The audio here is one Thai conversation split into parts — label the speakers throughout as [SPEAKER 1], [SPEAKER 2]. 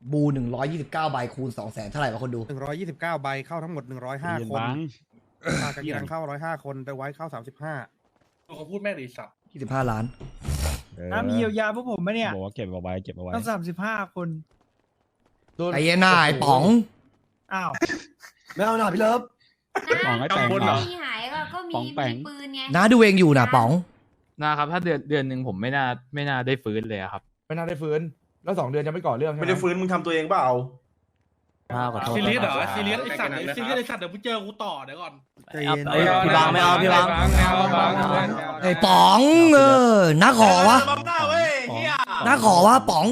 [SPEAKER 1] บู129ใบคูณ200,000เท่าไหร่วะคนดู
[SPEAKER 2] 129ใบเข้าทั้งหมด105คนปากกากีรังเข้า105คนแต่ไว้เข้า35
[SPEAKER 3] เขาพูดแม่งดิสัตว์
[SPEAKER 1] 25 ล้าน
[SPEAKER 4] มีเยียวยาพวกผมไหมเนี่ย
[SPEAKER 5] บอกว่าเก็บเอาไว้เก็บเอาไว้
[SPEAKER 4] ต้อง35 คน
[SPEAKER 1] ไอ้เหี้ยหน้าไอ้ป๋อง
[SPEAKER 4] อ้าว
[SPEAKER 1] ไม่เอาหน่าพี่เลิฟ
[SPEAKER 5] ป๋องไอ้แปงเหรอ
[SPEAKER 6] มีหายก็มี
[SPEAKER 5] ป๋องแปง
[SPEAKER 6] ปืนไง
[SPEAKER 1] น้าดูเองอยู่นะป๋อง
[SPEAKER 7] นะครับถ้าเดือนหนึ่งผมไม่น่าได้ฟื้นเลยอะครับ
[SPEAKER 8] ไม่น่าได้ฟื้นแล้ว2 เดือนจะไม่ก่อเรื่องใช่ไหม
[SPEAKER 3] ไม่ได้ฟื้นมึงทำตัวเองเปล่า
[SPEAKER 7] ขอโทษ
[SPEAKER 3] ซีเรียสเหรอ
[SPEAKER 7] ครับ
[SPEAKER 3] ซีเรียสไอสัตว์ซีเรียสไอสัตว์เดี๋ยวกูเจอกูต่อเดี๋ยวก่อน
[SPEAKER 2] ใจเย็น
[SPEAKER 7] พี่บางไม่เอาพี่บาง
[SPEAKER 1] ไอ้ป๋องน้าขอวะ
[SPEAKER 3] บังหน้าเว้ยเฮีย
[SPEAKER 1] น้าขอวะป๋อง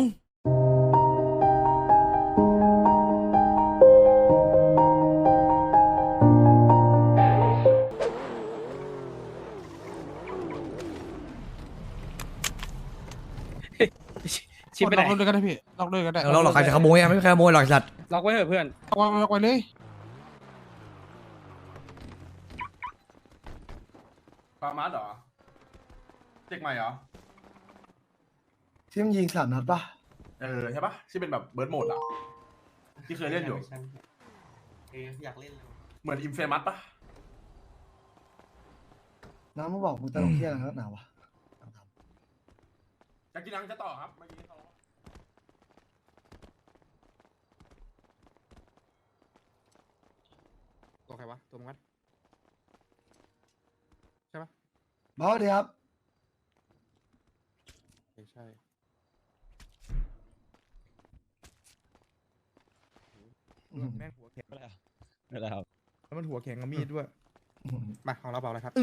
[SPEAKER 4] ชิปไปไหนล็อกด้วยก็ได้พี่ล็อกด้วยก็ได้
[SPEAKER 1] เราหรอกใครจะขโมยอะไม่มีใครขโมยหรอกไอ้สัตว์
[SPEAKER 4] ล็อกไว้เถอะเพื่อนล็อกไว้เลย
[SPEAKER 3] ปามาเหรอเด็กใหม่เหรอ
[SPEAKER 9] ที่มันยิง3 นัดป่ะ
[SPEAKER 3] ใช่ปะที่เป็นแบบเบิร์ดโหมดอ่ะที่เคยเล่นอยู่
[SPEAKER 2] อยากเล่นเลย
[SPEAKER 3] เหมือนอินเฟมัสปะ
[SPEAKER 9] น้ำมาบอกมึงตลกเที่ยอะไรนักหนาวะ
[SPEAKER 3] จะกินนังจะต่อครับเมื่อกี้เขา
[SPEAKER 2] ตัวใครวะตัวมึงกันใช่ปะ
[SPEAKER 9] บอสดีครับ
[SPEAKER 2] ใช่
[SPEAKER 8] แม่งหัวแข็ง
[SPEAKER 5] ไม่ได้ครับ
[SPEAKER 8] แล้วมันหัวแข็งกับมีดด้วย
[SPEAKER 2] มาของเราเปล่าอะไรครับ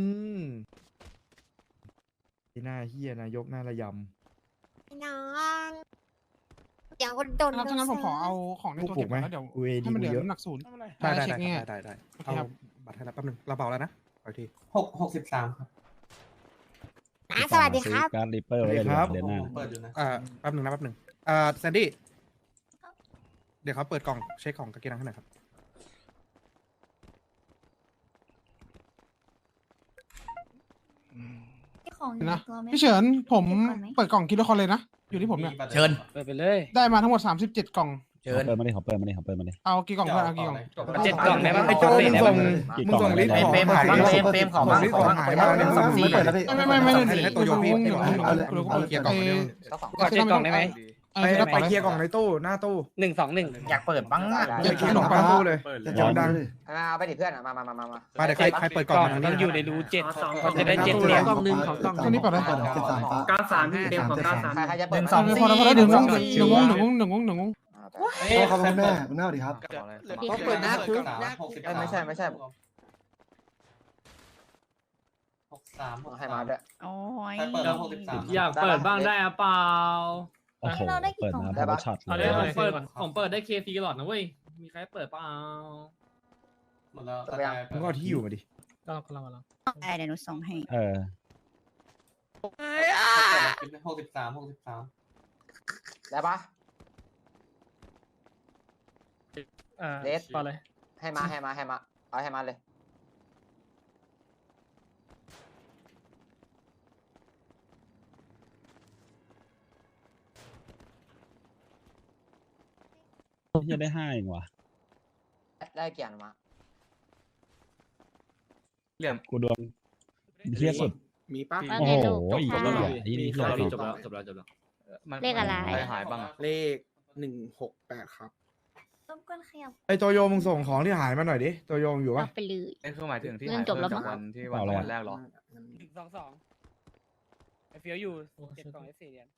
[SPEAKER 8] ไอ้หน้าเฮียนายกหน้าระย
[SPEAKER 6] น้องเดี๋ยวโดน
[SPEAKER 4] ถ้างั้นผมขอเอาของใน
[SPEAKER 8] ำ
[SPEAKER 4] ตัว
[SPEAKER 8] ปลุ
[SPEAKER 4] เก็
[SPEAKER 8] ก
[SPEAKER 4] บ
[SPEAKER 8] ไหม
[SPEAKER 4] ไว้แล้วเดี๋ยว
[SPEAKER 8] กูเอ
[SPEAKER 4] ให้
[SPEAKER 8] ดี
[SPEAKER 4] มันเหลือ
[SPEAKER 8] เยอะ
[SPEAKER 4] น้ำหนักศูนย์
[SPEAKER 2] ได้
[SPEAKER 4] เช็คไง
[SPEAKER 2] ได้
[SPEAKER 4] โอเค
[SPEAKER 2] เอา
[SPEAKER 4] ครับ
[SPEAKER 2] บัตรให้แล้วแป๊บนึงเราเปล่าแล้วนะไปที
[SPEAKER 3] 63ครับ
[SPEAKER 6] สวัสดีครับ
[SPEAKER 5] การริปเปอร์ไว้เลยเดือนหน้า
[SPEAKER 3] เปิดอยู่นะ
[SPEAKER 2] แป๊บนึงแซนดี้เดี๋ยวเขาเปิดกล่องเช็คของกากีรังให้หน่อยครับ
[SPEAKER 6] ของ
[SPEAKER 4] นะพี่เฉินผมเปิดกล่องคิดละครเลยนะอยู่ที่ผมเนี่ย
[SPEAKER 1] เชิญ
[SPEAKER 4] ไปเลยได้มาทั้งหมด37 กล่อง
[SPEAKER 1] เชิญ
[SPEAKER 5] เปิดมาดิขอเปิดมาดิขอเปิดมาดิ
[SPEAKER 4] เอากี่กล่องเพื่อนเอากี่กล่อง
[SPEAKER 2] 7 กล่องได้ปะ
[SPEAKER 8] ไอ้โจ้มึงส่ง
[SPEAKER 5] กี่
[SPEAKER 8] มึง
[SPEAKER 5] กล่อง
[SPEAKER 8] ส่งลิสต์ของ
[SPEAKER 9] เฟรมขอบ้าง
[SPEAKER 8] ลิสต์ของหายมาเนี่ย
[SPEAKER 9] ไม่เปิดแล้วพี่
[SPEAKER 4] ไม่
[SPEAKER 2] ให้ตัวโยพี่
[SPEAKER 4] หนึ่ง
[SPEAKER 9] เอาเลย
[SPEAKER 2] เกียร์กล่องเดียว
[SPEAKER 4] ขอ7 กล่องได้ไหม
[SPEAKER 8] ไปเคลียร์กล่องในตู้หน้าตู้
[SPEAKER 4] อยากเปิดบ้างอ่ะ
[SPEAKER 8] อย่าเคลียร์ขนมปังตู้เลย
[SPEAKER 9] จะ
[SPEAKER 8] เดี๋ยวดัง
[SPEAKER 9] เอาไปดิเพื่อนมา
[SPEAKER 2] มาเดี๋ยวใครเปิดกล่องมาทางนี้
[SPEAKER 4] อยู่ในรู7เขาจะได้
[SPEAKER 8] 7
[SPEAKER 4] เหรียญ
[SPEAKER 9] กล่องนึงของกล่อง
[SPEAKER 4] ตัวนี้เปิดได้
[SPEAKER 9] 93พี่เต็มของ93ใครจะเปิด
[SPEAKER 4] พอแล้วเดี๋ยวงง
[SPEAKER 9] เขาเป็นแม่คุณแม่สวัสดีครับ
[SPEAKER 6] เขาเปิดหน้าคุก
[SPEAKER 9] ไม่ใช่ให้มาด้วย
[SPEAKER 6] โอ้ย
[SPEAKER 7] อยากเปิดบ้างได้อะเปล่า
[SPEAKER 5] โอ้โหเปิดมาพอช็อต
[SPEAKER 7] เอา
[SPEAKER 5] เล
[SPEAKER 7] เดี๋
[SPEAKER 5] ย
[SPEAKER 7] ยวผมเปิดได้เคซีหลอดนะเว้ยมีใครเปิดเปล่า
[SPEAKER 3] หมดแล้ว
[SPEAKER 8] มึงก็เอาที่อยู่มาดิ
[SPEAKER 7] ก็เรา
[SPEAKER 6] เดี๋ยวหนูส่งให้
[SPEAKER 5] เออ
[SPEAKER 9] ได้ปะ
[SPEAKER 7] เลสต่อเลย
[SPEAKER 9] ให้มาเอาให้มาเลย
[SPEAKER 5] ยังได้5เองว่ะ
[SPEAKER 9] ได้เกียรติมา
[SPEAKER 5] กูดวงเที่ยสุด
[SPEAKER 2] มีป้า
[SPEAKER 5] โอ้โหอีกแล้วเหรออีนี่เที่ยสุด
[SPEAKER 7] จบแล้ว
[SPEAKER 6] เลขอะไร
[SPEAKER 7] หายบ้าง
[SPEAKER 2] เลข168ครับ
[SPEAKER 6] ต้มก้นขยับ
[SPEAKER 8] ไอ้โตโยมึงส่งของที่หายมาหน่อยดิโตโยมึงอยู่ปะ
[SPEAKER 6] เอาไปเลย
[SPEAKER 7] นี่คือหมายถึงที่
[SPEAKER 6] เรื่องจบแล้วมั้ง
[SPEAKER 7] วันแรกหรอ
[SPEAKER 4] ไอเฟียวอยู่7 กล่องF4 เหรียญ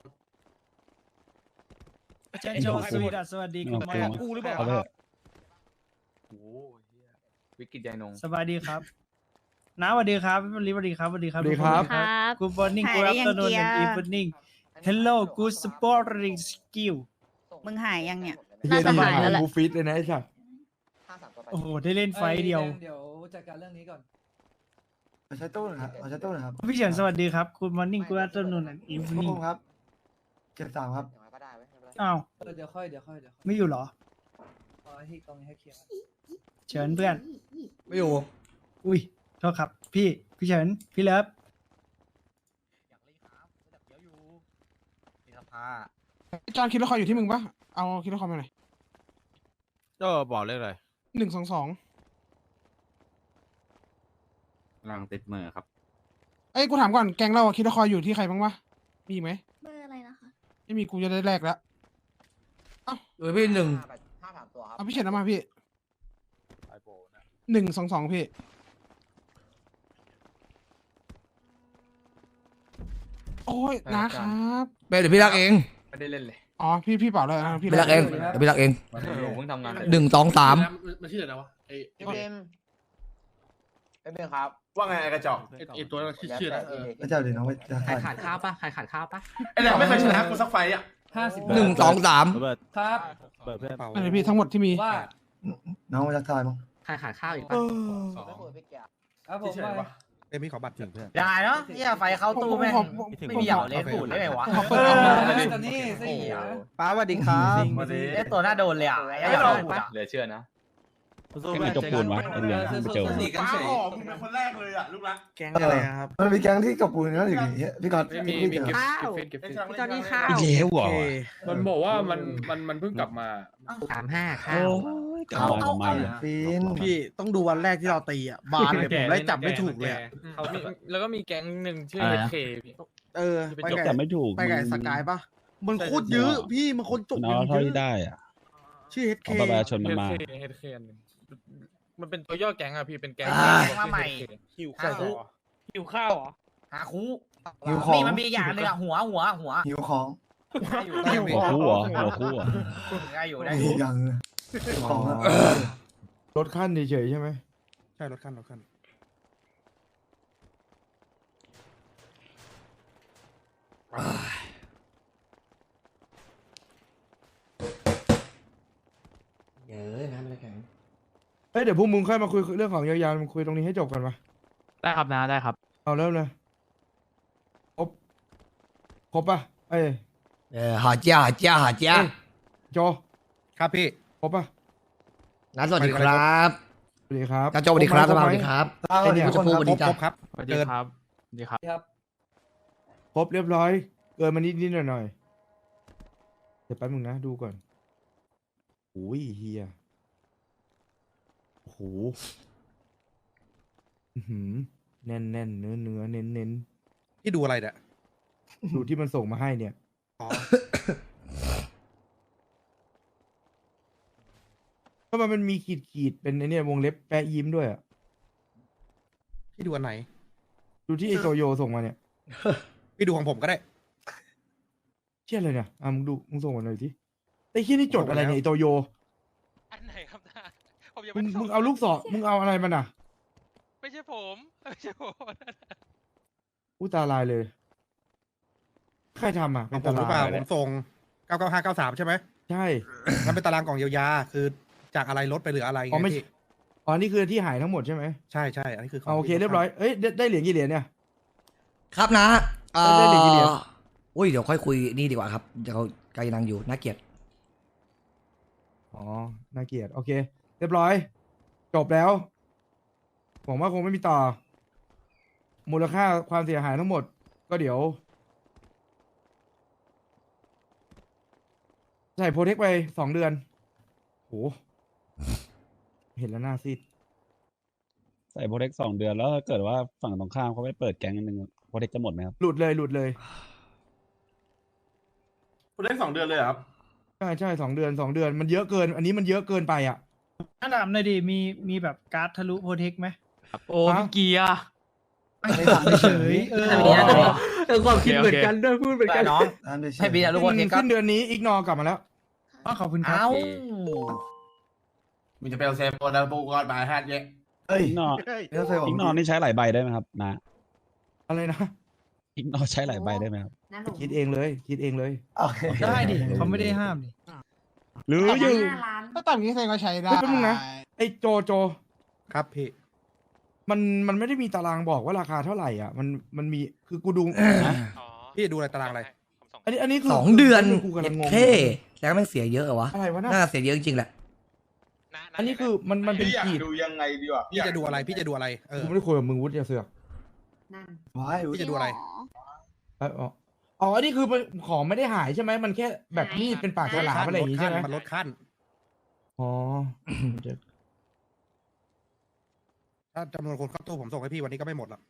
[SPEAKER 5] เชิญชมสวัสดีคุณแม่
[SPEAKER 4] กูหรือเปล่า
[SPEAKER 5] เอาไปเถอะ
[SPEAKER 7] โอ้วิกฤตใหญ่นง
[SPEAKER 4] สวัสดีครับน้าสวัสดีครับพี่บริสวัสดีครับสวัสดีครับ
[SPEAKER 8] สวัสดีครับ
[SPEAKER 6] ครับ
[SPEAKER 4] Good morning
[SPEAKER 6] หาย
[SPEAKER 4] Good
[SPEAKER 6] ได้ยัง
[SPEAKER 4] afternoon
[SPEAKER 6] เกียร์
[SPEAKER 4] and evening Hello Good sporting skill
[SPEAKER 6] มึงหายยังเนี่ย
[SPEAKER 8] เฮีย
[SPEAKER 6] น่าจะ
[SPEAKER 8] ทำไม
[SPEAKER 6] หายแล้วแหละ
[SPEAKER 8] กูฟิตเลยนะไอ้สัส
[SPEAKER 4] โอ้โหได้เล่นไฟต์เดียว
[SPEAKER 9] เดี๋ยวจัดการเรื่องนี้ก่อนเอาใช้ตู้หน่อยครับเอาใช้ตู้หน่อยครับ
[SPEAKER 4] พี่เฉินสวัสดีครับ Good morning Good afternoon and
[SPEAKER 9] พวก
[SPEAKER 4] evening
[SPEAKER 9] ผมครับเก็บ3ครับ
[SPEAKER 4] อ้าว
[SPEAKER 9] เดี๋ยวค่อย
[SPEAKER 4] ไม่อยู่เหรอ
[SPEAKER 9] เอาที่ตรงนี้ให้เคลียร์
[SPEAKER 4] เฉินเพื่อน
[SPEAKER 1] ไม่อยู่
[SPEAKER 4] อุ้ยโทษครับพี่เฉินพี่เลิฟ
[SPEAKER 2] อยากเล่นครับอยากเดี๋ยวอยู่มีสภา
[SPEAKER 4] จานคิดละครอยู่ที่มึงปะเอาคิดละครมาหน่อย
[SPEAKER 10] ก็บอกเลขอะไร
[SPEAKER 4] 122
[SPEAKER 10] ลังติดมือครับ
[SPEAKER 4] เอ้ยกูถามก่อนแกงเราอะคิดละครอยู่ที่ใครบ้างวะมีอีกไหม
[SPEAKER 6] เบอร์อะไรนะคะ
[SPEAKER 4] ไม่มีกูจะได้แลกแล้ว
[SPEAKER 1] เออพี่หนึ่ง
[SPEAKER 4] เอาพี่เฉินเอามาพี่122พี่โอ้ยนะครับ
[SPEAKER 1] เดี๋ยวพี่รักเอง
[SPEAKER 7] ไม่ได้เล่นเลย
[SPEAKER 4] อ๋อพี่เปล่าเลยนะพี่
[SPEAKER 1] พี่รักเองเดี๋ยวพี่รักเอง
[SPEAKER 7] เพิ่งทำงาน
[SPEAKER 1] 123
[SPEAKER 10] มันชื่ออะไรวะไอ
[SPEAKER 9] เอ็มครับ
[SPEAKER 3] ว่าไงไอ้กระจอก
[SPEAKER 10] ตัวนั้นชื่ออะไร
[SPEAKER 9] พระเจ้าเดี๋ยวน้องไป
[SPEAKER 7] ใครขาดข้าวปะใครขาดข้าวปะ
[SPEAKER 3] ไอ้แหลมไม่เคยชนะกูสักไฟต์อ่ะ
[SPEAKER 1] 123
[SPEAKER 5] ครับ
[SPEAKER 4] อันนี้พี่ทั้งหมดที่มี
[SPEAKER 5] ว่า
[SPEAKER 9] น้องมาจากทายมั้ง
[SPEAKER 7] ใครขาดข้าวอีกปะ
[SPEAKER 5] ครับผม
[SPEAKER 3] เฉยๆวะ
[SPEAKER 2] เอ้ยพี่ขอบัตรถึงเพื่อน
[SPEAKER 9] ได้เนาะเนี่ยไฟเข้าตู้แม่งไม่มีเหยาเล่นปูดได้ไงวะ
[SPEAKER 4] ขอเปิด
[SPEAKER 5] ตอนนี้สิ
[SPEAKER 8] ป้าสวัสดีครับ
[SPEAKER 3] มาดิ
[SPEAKER 9] เล่นตัวหน้าโดนเลยอ่ะไอ้
[SPEAKER 7] ไม่
[SPEAKER 9] เห
[SPEAKER 7] ล
[SPEAKER 9] ยาง ปูด
[SPEAKER 7] ปะ
[SPEAKER 9] อ่ะ
[SPEAKER 7] เหลือเชื่อนะ
[SPEAKER 5] ไม่มีจบปูนวะไอ้เหลืองไปเจอ
[SPEAKER 3] ป้าหอมมึงเป็นคนแรกเลยอ่ะลูกรัก
[SPEAKER 8] แก๊งอะไรครับ
[SPEAKER 9] มันมีแก๊งที่กับปูนนั่นอย่างเงี้ยพี่กอด
[SPEAKER 7] มี
[SPEAKER 6] ข้าว
[SPEAKER 7] เก็บ
[SPEAKER 6] ตอนนี้ข้าว
[SPEAKER 5] อีกแล้วเหรอ
[SPEAKER 10] มันบอกว่ามันเพิ่งกลับมา
[SPEAKER 7] 35ข้าว
[SPEAKER 5] กลับมา
[SPEAKER 9] ปีน
[SPEAKER 8] พี่ต้องดูวันแรกที่เราตีอ่ะบานเลยผมไล่จับไม่ถูกเลยอะ
[SPEAKER 10] แล้วก็มีแก๊งหนึ่งชื่อเค
[SPEAKER 8] เออไปไก่
[SPEAKER 5] จับไม่ถูก
[SPEAKER 8] ไปไก่สกายปะมันโคตรเยอะพี่มันคนจบ
[SPEAKER 5] มันเอาเท่าที่ได้อ่ะ
[SPEAKER 8] ชื่อเฮดเค
[SPEAKER 5] เอาประชาชนมันมา
[SPEAKER 10] เฮดเคนมันเป็นตัวย่อแก๊งอะพี่เป็นแก๊ง
[SPEAKER 9] มาใหม่
[SPEAKER 10] หิว
[SPEAKER 9] หา
[SPEAKER 10] ข้าว
[SPEAKER 9] คู
[SPEAKER 10] หิวข้าวเหรอ
[SPEAKER 9] หาคูนี่มันมีอย่างนึงอ่ะหัวหิวของ
[SPEAKER 5] หัวคู่เหรอหัวคู่เหรอ
[SPEAKER 9] ได้อยู่ได้อย่างของ
[SPEAKER 8] รถขั้นเฉยๆใช่ไหม
[SPEAKER 2] ใช่รถขั้นรถขั้น
[SPEAKER 1] เยอะนะมันแข็ง
[SPEAKER 8] เอ้ยเดี๋ยวพวกมึงค่อยมาคุยเรื่องของยาวๆมึงคุยตรงนี้ให้จบกันปะ
[SPEAKER 7] ได้ครับนะได้ครับ
[SPEAKER 8] เอาเริ่มเลยครบปะเอ้ย
[SPEAKER 1] หาจ้า
[SPEAKER 8] โจ
[SPEAKER 2] ครับพี่
[SPEAKER 8] ครบปะ
[SPEAKER 1] นัดสวัสดีครับ
[SPEAKER 8] สวัสดีครับ
[SPEAKER 1] กระโจสวัสดีครับสวัสดีครับ
[SPEAKER 8] ไอ้เนี่ย
[SPEAKER 1] ผู้ชมพูสวัสดีจ้า
[SPEAKER 2] ครบครับ
[SPEAKER 7] สวัสดีครับสวัสดีครับ
[SPEAKER 8] ครบเรียบร้อย เกินมานิดๆหน่อยๆเดี๋ยวแป๊บนึงนะดูก่อนโอ้ยเฮียโอ้โหอื้อหือแน่นเนื้อเน้น
[SPEAKER 2] พี่ดูอะไรเนี่ย
[SPEAKER 8] ดูที่มันส่งมาให้เนี่ย
[SPEAKER 2] อ๋อ
[SPEAKER 8] ก็มันมีขีดเป็นไอเนี่ยวงเล็บแปะยิ้มด้วยอ่ะ
[SPEAKER 2] พี่ดูอันไหน
[SPEAKER 8] ดูที่ไอโตโยส่งมาเนี่ย
[SPEAKER 2] พี่ดูของผมก็ได้
[SPEAKER 8] เชี่ยเลยเนี่ยมึงส่งมาหน่อยทีไอ้เชี่ยนี่จดอะไรเนี่ยไอโตโย
[SPEAKER 10] อันไหนครับนะผมยัง
[SPEAKER 8] มึงเอาลูกศรมึงเอาอะไรมันอ่ะ
[SPEAKER 10] ไม่ใช่ผมไม่ใช่ผม
[SPEAKER 8] อู้ตาลายเลย ใครทำอ่ะ
[SPEAKER 2] ของผมหรือเปล่าผมส่ง 99593 ใช่ไหม
[SPEAKER 8] ใช่
[SPEAKER 2] มันเป็นตารางกล่องเยียวยาคือจากอะไรลดไปเหลืออะไร
[SPEAKER 8] อ๋อ
[SPEAKER 2] ไง
[SPEAKER 8] ไม่
[SPEAKER 2] พี่
[SPEAKER 8] อ๋อนี่คือที่หายทั้งหมดใช่ไหม
[SPEAKER 2] ใช่ใช่อันนี้คือขง
[SPEAKER 8] เอาโอเคเรียบร้อยเอ้ยได้เหรียญกี่เหรียญเนี่ย
[SPEAKER 1] ครับนะ
[SPEAKER 8] ได้เหรียญกี่เหรียญ
[SPEAKER 1] อุ้ยเดี๋ยวค่อยคุยนี่ดีกว่าครับเดี๋ยวเขากำลังอยู่น่าเกลียด
[SPEAKER 8] อ๋อน่าเกลียดโอเค เรียบร้อย จบแล้วผมว่าคงไม่มีต่อ มูลค่าความเสียหายทั้งหมด ก็เดี๋ยวใส่โปรเทคไป2 เดือนโหเห็นแล้วหน้าซีด
[SPEAKER 5] ใส่โปรเทค2 เดือนแล้วถ้าเกิดว่าฝั่งตรงข้ามเขาไม่เปิดแก๊งอันหนึ่งโปรเทคจะหมดไหมครับ
[SPEAKER 8] หลุดเลย
[SPEAKER 3] คุณได้2 เดือนเลยเหรอครับ
[SPEAKER 8] ใช่2 เดือนมันเยอะเกิน อันนี้มันเยอะเกินไปอ่ะ
[SPEAKER 5] ถ้าถามหน่อยดิมีแบบการ์ดทะลุโปรเทคไหม
[SPEAKER 7] โอ้พี่เกียร์
[SPEAKER 5] ไม่ถามเฉย
[SPEAKER 7] ความคิดเหมือนกันด้วยพูดเหมือนกัน
[SPEAKER 9] น้องให้บีนะลูกบอลเทค
[SPEAKER 8] สิ้นเดือนนี้อีกนอกลับมาแล้ว
[SPEAKER 5] ขอบคุณครับ
[SPEAKER 9] เอ้า
[SPEAKER 3] มึงจะไปเอาเซฟตัวแล้วปูก่อนมาแฮทเยอะ
[SPEAKER 9] เฮ้ย
[SPEAKER 5] อีกนอ
[SPEAKER 9] เดี๋ยวใส่ผม
[SPEAKER 5] อีกนอนี่ใช้หลายใบได้ไหมครับนะ
[SPEAKER 8] อะไรนะ
[SPEAKER 5] อีกนอใช้หลายใบได้ไหมครับ
[SPEAKER 8] คิดเองเลย
[SPEAKER 9] โอเค
[SPEAKER 5] ได้ดิเขาไม่ได้ห้ามดิ
[SPEAKER 8] หรืออยู่
[SPEAKER 4] ถ้าตามนี้แสดงว่าใช้ได้
[SPEAKER 8] เฮ้ยแป๊บนึงนะ ไอ้โจ
[SPEAKER 2] ครับพี่
[SPEAKER 8] มันไม่ได้มีตารางบอกว่าราคาเท่าไหร่อ่ะ มันมีคือกูดู
[SPEAKER 2] พี่ดูอะไรตารางอะไร
[SPEAKER 8] อันนี้คือ
[SPEAKER 1] 2 เดือน
[SPEAKER 8] กูกำลังงง
[SPEAKER 1] เท่แล้วมันเสียเยอะเหรอวะ
[SPEAKER 8] อะไรวะน่ะ
[SPEAKER 1] น่าเสียเยอะจริงๆแหละ
[SPEAKER 8] อันนี้คือมันเป็นขีด
[SPEAKER 3] ดูยังไงดีวะ
[SPEAKER 2] พี่จะดูอะไรพี่จะดูอะไร
[SPEAKER 8] กู
[SPEAKER 2] เออ
[SPEAKER 8] ไม่ได้คุยกับมึงวุฒิอย่าเสือก
[SPEAKER 9] ว้าย
[SPEAKER 2] พี่จะดูอะไร
[SPEAKER 8] อ๋ออ๋ออันนี้คือมันของไม่ได้หายใช่ไหมมันแค่แบบมีดเป็นปากฉลามอะไรอย่างงี้ใช่ไหม
[SPEAKER 2] มันลดขั้น
[SPEAKER 8] อ๋อ
[SPEAKER 2] ถ้าจำนวนคนเข้าตู้ผมส่งให้พี่วันนี้ก็ไม่หมดหรอก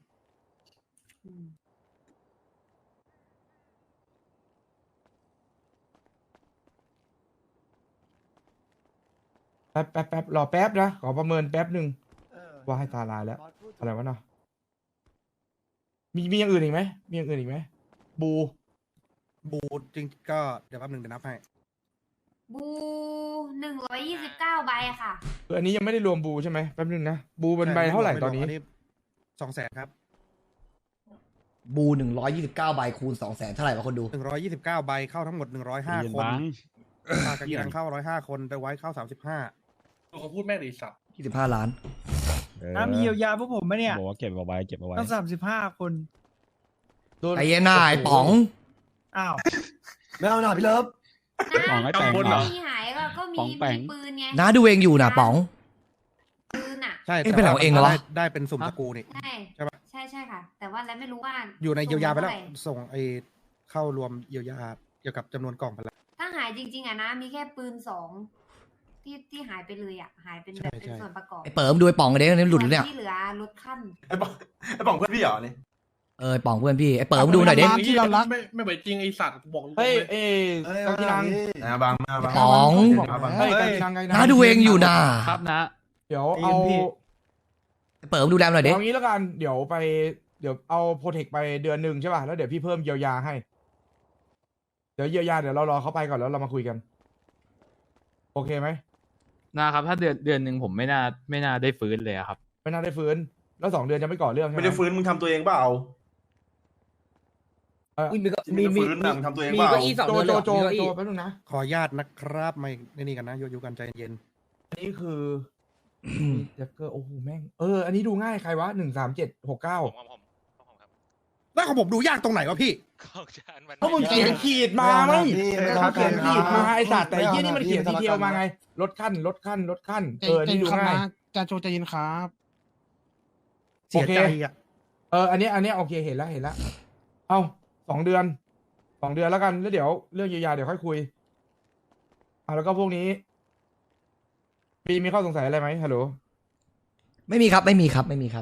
[SPEAKER 8] แป๊บรอแป๊บนะขอประเมินแป๊บหนึ่งว่าให้ตาลายแล้ว อะไรวะเนาะมีอย่างอื่นอีกไหมมีอย่างอื่นอีกไหมบู
[SPEAKER 2] บูจริงก็เดี๋ยวแป๊บหนึงเดี๋ยวนับให้
[SPEAKER 6] บู129 ใบค่ะ
[SPEAKER 8] คืออันนี้ยังไม่ได้รวมบูใช่ไหมแป๊บหนึงนะบูเป็นใบเท่าไหร่ตอนนี้
[SPEAKER 2] 200,000 ครับ
[SPEAKER 1] บู129 ใบคูณ 200,000 เท่าไหร่วะคนดู
[SPEAKER 2] 129 ใบเข้าทั้งหมด 105 คน
[SPEAKER 5] บัง
[SPEAKER 2] ปากกากีรังเข้า105 คนแต่ไว้เข้า35
[SPEAKER 10] เขาพูดแม่งดิสัตว์
[SPEAKER 1] 25 ล้าน
[SPEAKER 5] มีเยียวยาพวกผมไหมเนี่ยบอกว่าเก็บเอาไว้เก็บเอาไว้
[SPEAKER 9] ต้อง35 คน
[SPEAKER 8] โดน
[SPEAKER 1] ไอ้เหี้ยหน้าไอ้ป๋อง
[SPEAKER 9] อ้าวไม่เอาหน่าพี่เลิฟ
[SPEAKER 5] ป๋องไอ้แปง
[SPEAKER 10] บน
[SPEAKER 5] เห
[SPEAKER 10] เห
[SPEAKER 5] ร
[SPEAKER 10] ร
[SPEAKER 5] อ
[SPEAKER 10] อ
[SPEAKER 6] มีหายก็มี
[SPEAKER 5] ป๋องแปง
[SPEAKER 6] ปืนไง
[SPEAKER 1] น้าดูเองอยู่นะป๋อง
[SPEAKER 6] ปืนอ่ะ
[SPEAKER 2] ใช่
[SPEAKER 1] เอ๊ะเป็นอะไรของเองเหรอวะ
[SPEAKER 2] ได้เป็นสุ่มตระกูลนี่
[SPEAKER 6] ใช่
[SPEAKER 2] ใช่ปะ
[SPEAKER 6] ใช่ค่ะ แต่ว่าแล้วไม่รู้ว่า
[SPEAKER 2] อยู่ในเยียวยาไปแล้ว
[SPEAKER 6] ส่งเท่หร่
[SPEAKER 2] ส่งไอ้เข้ารวมเยียวยาเกี่ยวกับจำนวนกล่องไปแล้ว
[SPEAKER 6] ถ้าหายจริงๆอ่ะนะ มีแค่ปืน2ที่หายไปเลยอ่ะ หายเป็นแบบเป็นส่วนประกอบ
[SPEAKER 1] ไอ้เปิมดูไอ้ป๋องกันเด้นี่หลุดหรือเนี่ย
[SPEAKER 6] ส่วนที่เหลือลดขั้น
[SPEAKER 3] ไอ้ป๋องเพื่อนพี่เหรอนี่
[SPEAKER 1] เออป๋องเพื่อนพี่ ไอ้เปิมดูหน่อยดิ
[SPEAKER 4] ที่เรารัก
[SPEAKER 10] ไม่เหมือนจริงไอสัตว์บอก
[SPEAKER 8] เฮ้ยกากีรัง
[SPEAKER 3] บางมาบาง
[SPEAKER 1] ป๋อง
[SPEAKER 8] เฮ้ยกากีรัง
[SPEAKER 1] น้าดูเองอยู่นะครับ
[SPEAKER 7] นะ
[SPEAKER 8] เดี๋ยวเอา
[SPEAKER 1] ไอ้เปิมดูแลหน่อยดิ
[SPEAKER 8] เอางี้แล้วกันเดี๋ยวเอาโปรเทคไปเดือนหนึ่งใช่ป่ะแล้วเดี๋ยวพี่เพิ่มเยียวยาให้ เดี๋ยวเยียวยาเดี๋ยวเรารอเขาไปก่อนแล้วเรามาคุยกัน โอเคไหม
[SPEAKER 7] นะครับ ถ้าเดือนหนึ่งผมไม่น่าได้ฟื้นเลยอะครับ
[SPEAKER 8] ไม่น่าได้ฟื้นแล้ว2 เดือนจะไม่ก่อเรื่องใช่ไหม
[SPEAKER 3] ไม่ได้ฟื้นมึงทำตัวเองเปล่า
[SPEAKER 1] มี
[SPEAKER 3] ฟื้นนะมึงทำตัวเองเปล่า
[SPEAKER 8] โจแป๊บนึงนะ
[SPEAKER 2] ขออนุญาตนะครับไม่นี่กันนะโยกันใจเย็น
[SPEAKER 8] อันนี้คือแจ็คเกอร์โอ้โหแม่งอันนี้ดูง่ายใครวะ13769
[SPEAKER 2] แล้วของผมดูยากตรงไหนวะพี่
[SPEAKER 8] เพราะมึงเขียนขีดมาไหมเขาเขียนขีดมาไอ้สัตว์แต่ไอ้ยี่นี่มันเขียนทีเดียวมาไงลดขั้น
[SPEAKER 4] ใจ
[SPEAKER 8] นี่ดู
[SPEAKER 4] เย็นครับ
[SPEAKER 8] ง่าย
[SPEAKER 4] นะจานโจใจเย็นครับ
[SPEAKER 2] เสียใจอ่ะ
[SPEAKER 8] อันนี้โอเคเห็นแล้วเอา2 เดือนแล้วกันแล้วเดี๋ยวเรื่องเยียวยาเดี๋ยวค่อยคุยแล้วก็พวกนี้มีข้อสงสัยอะไรไหมฮัลโหล
[SPEAKER 1] ไม่มีครับ ไม่มีครับ ไม่มีครับ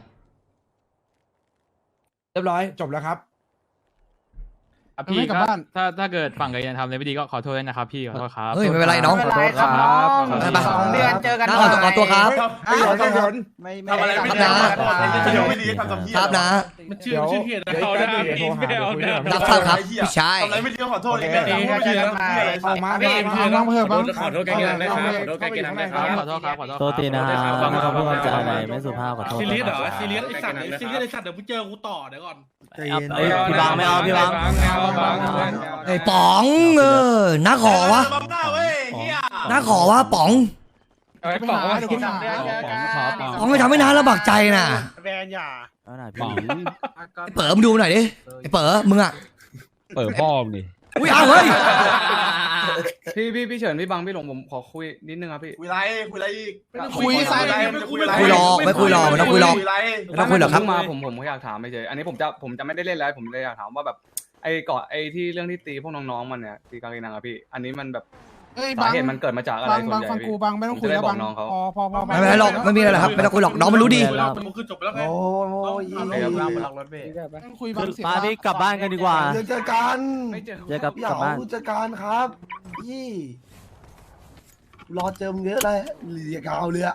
[SPEAKER 8] เรียบร้อยจบแล้วครับ
[SPEAKER 7] พี่
[SPEAKER 4] ไม่กลับ
[SPEAKER 7] ก็
[SPEAKER 4] บ้าน
[SPEAKER 7] ถ้าเกิดฝั่งกับยันทำอะไรไม่ดีก็ขอโทษด้วยนะครับพี่ขอโทษครับ
[SPEAKER 1] เฮ้ยไม่เป็นไรน้อง
[SPEAKER 7] ขอโทษครับ
[SPEAKER 1] ไป
[SPEAKER 9] 2 เดือนเจอกัน
[SPEAKER 1] น้าขอตัวครับ
[SPEAKER 8] เดี๋ยว
[SPEAKER 3] ทำอะไรไม่ดีเดี๋ยวไม่ดีทำทำเพี้ย
[SPEAKER 1] ครับนะ
[SPEAKER 10] มันชื่อเหตุ
[SPEAKER 8] เดี๋ยว
[SPEAKER 10] เขา
[SPEAKER 8] แป๊
[SPEAKER 10] นะ
[SPEAKER 8] บนึงเดี๋ยวโทรหาเดี๋ยวคุยด้วย
[SPEAKER 1] รับทราบครับพี่ชาย
[SPEAKER 3] ทำอะไรไม่ดีก็ขอโทษอีกแล้วไม่ดีทำเพี้ยอะไร
[SPEAKER 8] เอามา
[SPEAKER 4] น้องเพิ่มบ้าง
[SPEAKER 10] ขอโทษแกกินนะครับขอโทษแกกินนะครับ
[SPEAKER 7] ขอโทษครับขอโทษ
[SPEAKER 11] โทษทีนะครับไม่เขาพูดคำจาอะไรไม่สุภาพขอโทษ
[SPEAKER 10] ซีเรียสเหรอ
[SPEAKER 11] นะครับ
[SPEAKER 10] ซีเรียสไอสัตว์ซีเรียสไอสัตว์เดี๋ยวกูเจอกูต่อเดี๋ยวก่อน
[SPEAKER 9] ใจเย็น
[SPEAKER 11] เอ้ยพี่บางไม่เอาพี่บาง
[SPEAKER 1] ไอ้ป๋องน้าขอวะ
[SPEAKER 3] บังหน้าเว้ยเฮีย
[SPEAKER 1] น้าขอวะป๋อง
[SPEAKER 4] ไปหาเดี๋ยวไปหา
[SPEAKER 1] ป๋องไม่ทำให้น้าลำบากใจน่ะ
[SPEAKER 10] แวนอย่า
[SPEAKER 11] เอาหน่อย
[SPEAKER 5] ป๋อง
[SPEAKER 11] พี่
[SPEAKER 1] ไอ้เปิมดูหน่อยดิ ไอ้เปิมมึงอ่ะ
[SPEAKER 5] เปิดพ่อมึงดิ
[SPEAKER 1] อุ้ยเอาเฮ้ย
[SPEAKER 7] พี่เฉินพี่บังพี่หลงผมขอคุยนิดนึงครับพี่
[SPEAKER 3] คุยไรอีก
[SPEAKER 4] คุยซะ
[SPEAKER 1] คุยรอไม่คุยรอมันต้องคุยรอ
[SPEAKER 3] ไร
[SPEAKER 1] ไม่ต้องคุยหรอกครับ
[SPEAKER 7] มาผมอยากถามไม่เฉยอันนี้ผมจะไม่ได้เล่นแล้วผมเลยอยากถามว่าแบบไอ้เกาะไอ้ที่เรื่องที่ตีพวกน้องๆมันเนี่ยตีกางเกงนังอะพี่ อันนี้มันแบบ
[SPEAKER 4] เอ้ย
[SPEAKER 7] สา
[SPEAKER 4] บาง
[SPEAKER 7] เหตุมันเกิดมาจากอะไร
[SPEAKER 4] บาง
[SPEAKER 7] ส่วน
[SPEAKER 4] บาง
[SPEAKER 7] ใหญ่
[SPEAKER 4] ฟังกู
[SPEAKER 7] พี่
[SPEAKER 4] บางไม่ต้องคุยแล้วบางพอ
[SPEAKER 1] ไม่เป็นไรหรอกไม่มีอะไรหรอกครับไม่ต้องคุยหรอกน้องมันรู้ดี
[SPEAKER 10] มันคือจบไปแล้วไง
[SPEAKER 9] โอ้ย
[SPEAKER 7] โอเคครับ
[SPEAKER 4] ต้องคุยบางเสีย
[SPEAKER 11] ป้าพี่กลับบ้านกันดีกว่า
[SPEAKER 9] เจอกัน
[SPEAKER 7] ไม่เจอ
[SPEAKER 11] เจอกับ
[SPEAKER 9] อย่าก
[SPEAKER 11] ลับบ้าน
[SPEAKER 9] ผู้จัดการครับพี่รอเจอมึงเยอะเลยเรียกเอาเลยอะ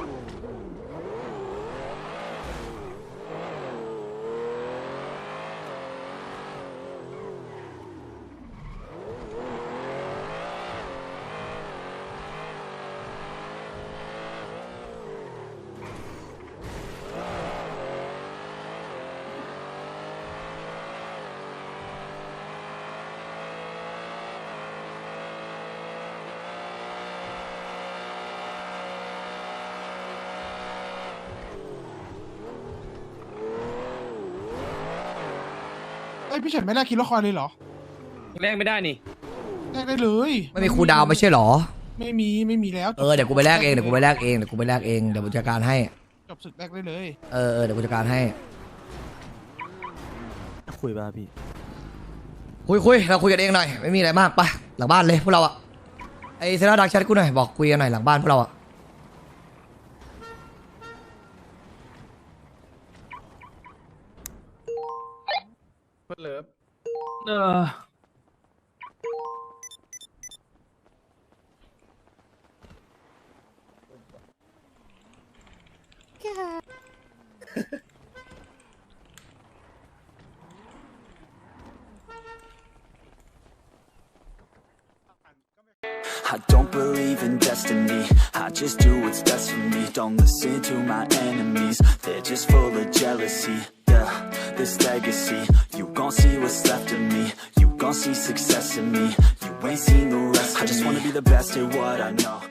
[SPEAKER 4] เอ้ยพี่เฉินไม่แลกคิดละครเลยเหรอ
[SPEAKER 10] แลกไม่ได้นี่
[SPEAKER 4] แลกได้เลย
[SPEAKER 1] ไม่มีครูดาวไม่ใช่หรอ
[SPEAKER 4] ไม่มีแล้ว
[SPEAKER 1] เดี๋ยวกูไปแลกเองเดี๋ยวกูไปแลกเองเดี๋ยวกูจัดการให้
[SPEAKER 4] จบศึกแลกได้เลย
[SPEAKER 1] เดี๋ยวกูจัดการให้
[SPEAKER 11] คุยป่ะพี่
[SPEAKER 1] คุยเราคุยกันเองหน่อยไม่มีอะไรมากไปหลังบ้านเลยพวกเราอะไอเซราดักแชทกูหน่อยบอกคุยกันหน่อยหลังบ้านพวกเราอะ
[SPEAKER 10] เพื่อนเลิฟ
[SPEAKER 12] I don't believe in destiny, I just do what's best for me. Don't listen to my enemies, they're just full of jealousy. Yeah, this legacy, you gon' see what's left of me. You gon' see success in me, you ain't seen the rest of me. I just wanna be the best at what I know.